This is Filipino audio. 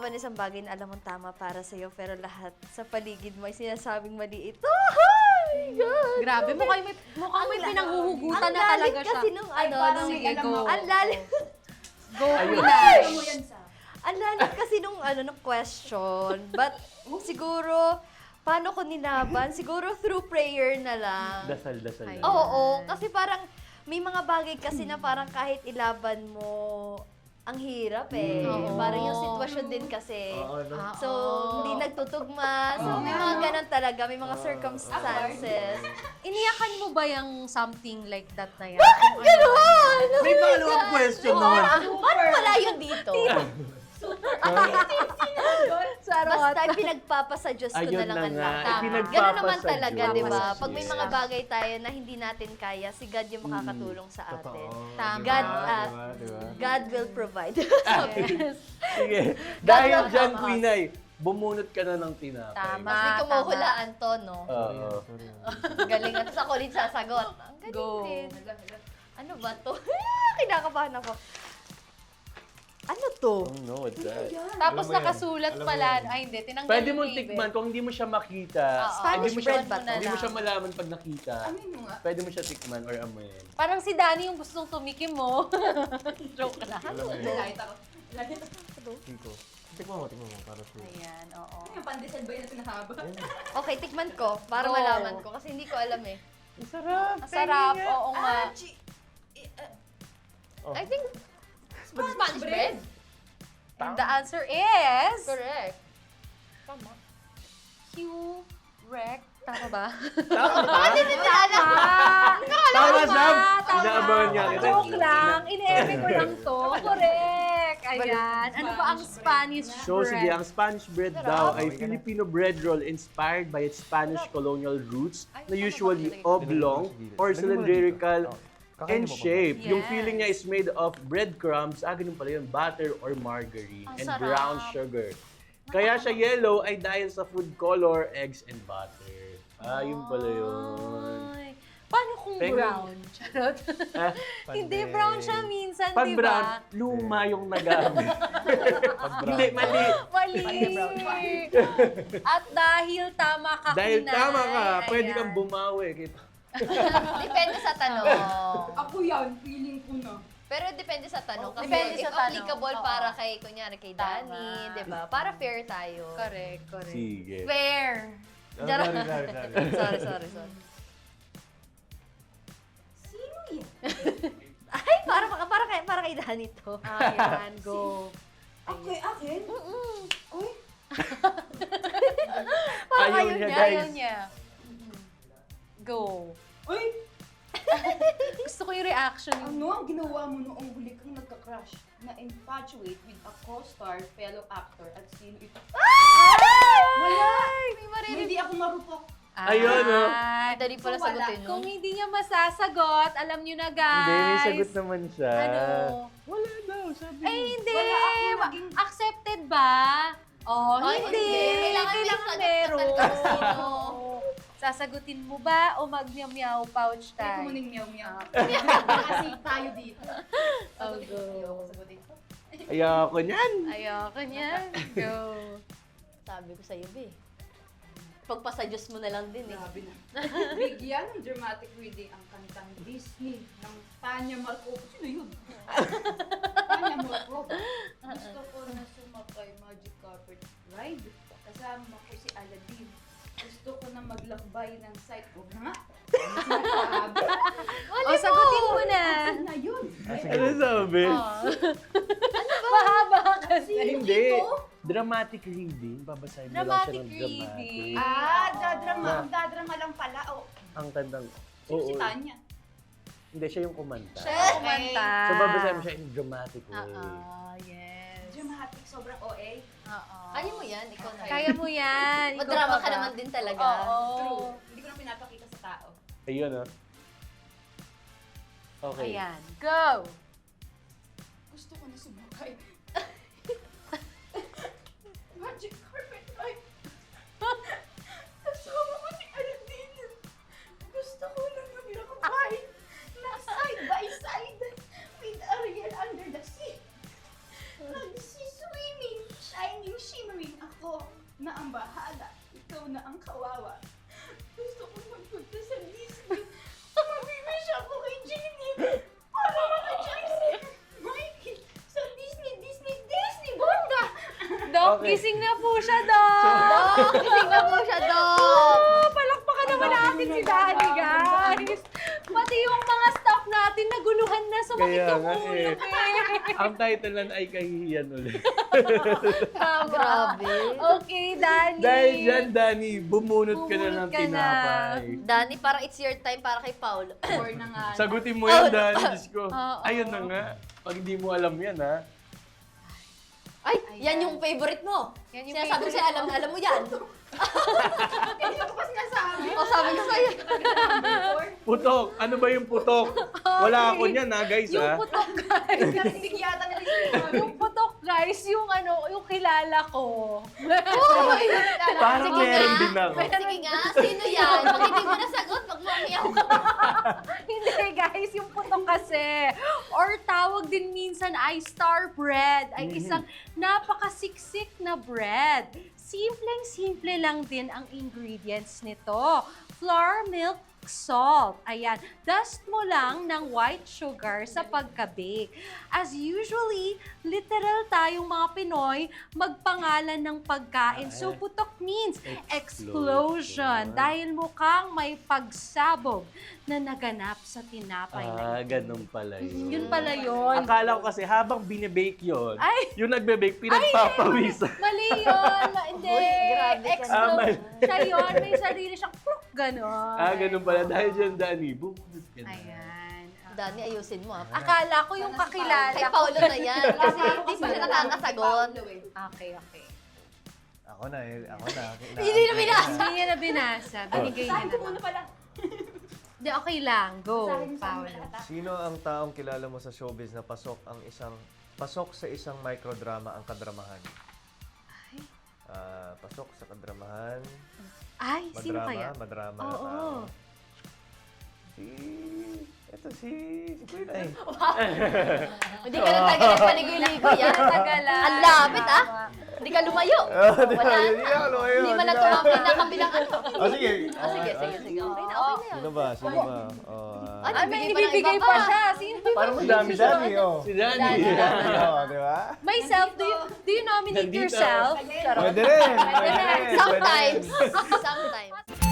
ba ng isang bagay na alam mong tama para sa'yo, pero lahat sa paligid mo ay sinasabing mali ito? Oh my God! Grabe, mukhang may pinanghuhugutan na talaga siya. Kasi nung ano, sige, go. ang lalim. Go, Ayun. Pinay. Ang lalim kasi nung nung question. But siguro, paano ko nilaban? Siguro through prayer na lang. Dasal. Ay. Oo, kasi parang may mga bagay kasi na parang kahit ilaban mo, ang hirap eh. Oo. Parang yung sitwasyon din kasi. Oo, no? So, hindi nagtutugma. So, may mga ganun talaga. May mga circumstances. Iniyakan mo ba yung something like that na yan? Ganon! May follow-up question naman. Paano wala yun dito? Basta pinagpapasa Diyos ko Ayun na lang na ang nga. lahat. Ipinagpapa Ganun naman sa talaga, Diyos. di ba? Yes. Pag may mga bagay tayo na hindi natin kaya, si God yung makakatulong sa atin. Totoo. Tama. God, Diba? God will provide. Sige. Dahil will dyan, help us. Quinay, bumunot ka na ng tinapay. Tama. Mas di kumuhulaan to, no? Oo. Galing. At sa kulit sasagot. Ang galing Go. din. Ano ba to? Kinakabahan ako. Ano to? Oh no, what's that? Tapos Alam mo yan. nakasulat Alam mo pala. yan. Ay, hindi. Tinanggal Pwede yung mong label. tikman kung hindi mo siya makita. Oo. Spanish hindi mo siya, bread ba to? Hindi mo siya malaman pag nakita. Amin mo nga. Pwede mo siya tikman or amoyin. Parang si Danny yung gustong tumikim mo. Joke lang. Alam mo yun. Lahit ako. Lahit ako. Tiko. Tikman mo para sure. Ayan, oo. Ano yung pandesal ba yun na sinahaba? Okay, tikman ko para Go. malaman ko. Kasi hindi ko alam eh. Ang sarap. Ang sarap, oo nga. Oh. I think Spanish bread. And the answer is... Correct. Tama. Correct. Tama ba? Tama. Tama. Tama, Sam. Tama. Inaabangan niya kita. Joke lang. Ine-eme ko lang to. Correct. Ayan. Ano ba ang Spanish bread? So sige, ang Spanish bread daw ay Filipino bread roll inspired by its Spanish colonial roots na usually oblong or cylindrical in shape. Yung Yes. filling niya is made of breadcrumbs, ganun pala yun, butter or margarine, Ang and sarap. brown sugar. Kaya siya yellow ay dahil sa food color, eggs, and butter. Yun pala yun. Ay. Paano kung Penguin. brown? Charot. Ah, Hindi, brown siya minsan, Pag di brown, ba? luma yung nagamit. Hindi, mali. Mali. At dahil tama ka, Dahil Kinay. tama ka, pwede Ayan. kang bumawi. Depende sa tanong. Ako yan, feeling ko na. Pero depende sa tanong. Kasi Depende if sa tanong. applicable Oo. para kay, kunyari, kay Tama. Danny, di ba? Para fair tayo. Correct, correct. Sige. Fair. Charot. Sorry. sorry. Sino yan? Ay, para kay Danny to. Ayan, go. Akin? Uy, Ayaw niya, Ayaw guys. niya. Go. uy, Gusto ko yung reaction. ano ang ginawa mo noong huli kang nagka-crush na infatuate with a co-star, fellow actor, at sino ito? Wala! May maririnig. Hindi ako marupok. Ayun, oh. Ay, Dali pala So, wala. sagutin Kung yun. hindi niya masasagot, alam niyo na, guys. Hindi, may sagot naman siya. Ano? Wala daw, sabi Eh, hindi. Wala ako naging- Accepted ba? Oh, Ay, hindi. hindi. Kailangan may sagot meron. ka talaga kung sino. Sasagutin mo ba o mag-meow pouch Kaya tayo? kumuning meow-meow. Kasi tayo dito. Oh, go. Sagutin ko. Ayoko niyan. Ayoko niyan. Go. Sabi ko sa'yo, be. Pagpasa Diyos mo na lang din eh. Grabe na. Bigyan ng dramatic reading ang kantang Disney ng Tanya Markova. Sino yun? Tanya Markova. Gusto ko na sumakay Magic Carpet Ride. Kasama ko si Aladdin. Gusto ko na maglakbay ng site. Huwag na nga. Ano sinasabi? O, sagutin mo na. Asan na yun? Ano sabi? Mahaba kasi. Hindi. Dramatic reading. Babasahin mo lang siya ng Dramatic reading. dramatic. Magdadrama lang pala. Oh, Ang tandang. sino si Tanya? Hindi, siya yung kumanta. Siya. Kumanta. So, babasahin mo siya in dramatic way. Yes. Dramatic, sobrang OA. Oo. Kaya mo yan, ikaw na. Kaya mo yan. Ikaw Madrama pa ka ba? naman din talaga. Oo. True. Hindi ko na pinapakita sa tao. Ayun, ah. Okay. Ayan. Go! Gusto ko na sumakay. Magic carpet ride. Kasama ko si Aladdin. Gusto ko lang maglakbay na side by side with Ariel under the sea. Nag-swimming, shining Okay. Gising na po siya, Dok! Dok, gising na po siya, Dok. Oh, palakpakan naman natin si Danny, guys. Pati yung mga staff natin naguluhan na sumakit Kaya yung nga ulo. eh. Ang title lang ay kahihiyan ulit. Tama. Grabe. Okay, Danny. Dahil dyan, Danny, bumunot ka na Bumunot ng ka na. tinapay. Danny, parang it's your time para kay Paul. Or na nga. Sagutin mo yan, Oh, Danny. Diyos ko. Oo. Ayun na nga. Pag hindi mo alam yan, ha? Ay, yan yung favorite mo. Yan yung Sinasabi ko favorite sa'yo, alam na alam mo yan. Hindi ko pa sinasabi. O, sabi ko sa'yo. Putok. Ano ba yung putok? Wala ako niyan, ha, guys, Yung ha? putok, guys. Hindi yata nila Yung putok, guys, yung yung kilala ko. Uy! Parang Sige meron nga. din ako. Sige nga, sino yan? Pag hindi mo nasagot, magmamiyaw ka. Hindi, guys, yung putok kasi. Or tawag din minsan ay star bread. Ay isang napakasiksik na bread. Simpleng-simple lang din ang ingredients nito. Flour, milk, salt. Ayan. Dust mo lang ng white sugar sa pagka-bake. As usually, literal tayong mga Pinoy magpangalan ng pagkain. So, putok means explosion. Dahil mukhang may pagsabog na naganap sa tinapay na ito. Ganun pala yun. Yun pala yun. Akala ko kasi habang binibake yun, Ay! yung nagbe-bake, pinagpapawisan. Mali yun. Hindi. Uy, grabe ka Ah, mali. Siya yun. May sarili siyang pluk. Ganon. Ganun pala. Dahil dyan, Danny, bumunot ka na. Ayan. Danny, ayusin mo, ha? Akala ko yung kakilala Kay ko. Paulo na yan. Kasi hindi pa siya nakakasagot. Okay, okay. Ako na eh. Ako na. Hindi na binasa. Hindi niya na binasa. Binigay niya na lang. pala. Hindi, okay lang. Go, Sa akin Paolo. lahat. Sino ang taong kilala mo sa showbiz na pasok sa isang microdrama ang kadramahan? Ay. Pasok sa kadramahan. Ay, sino kaya? Madrama. Oo. Si Kuya Nay. Hindi ka natagal ng paligoy-ligo yan. Tagalan. Ang lapit, ah. Hindi ka lumayo. Wala Hindi na. ako lumayo. Hindi man na tumapin na kabilang ano. Sige. Sige. Okay na yun. Sino ba? Sino ba? Ay, Ay, may nagbigay pa ng ibibigay iba pa siya. Sino? Parang madami Si siya. Danny, oh. Si Danny. Di ba? Myself, do you nominate Nandito. yourself? Pwede rin. Pwede rin. Sometimes. Sometimes.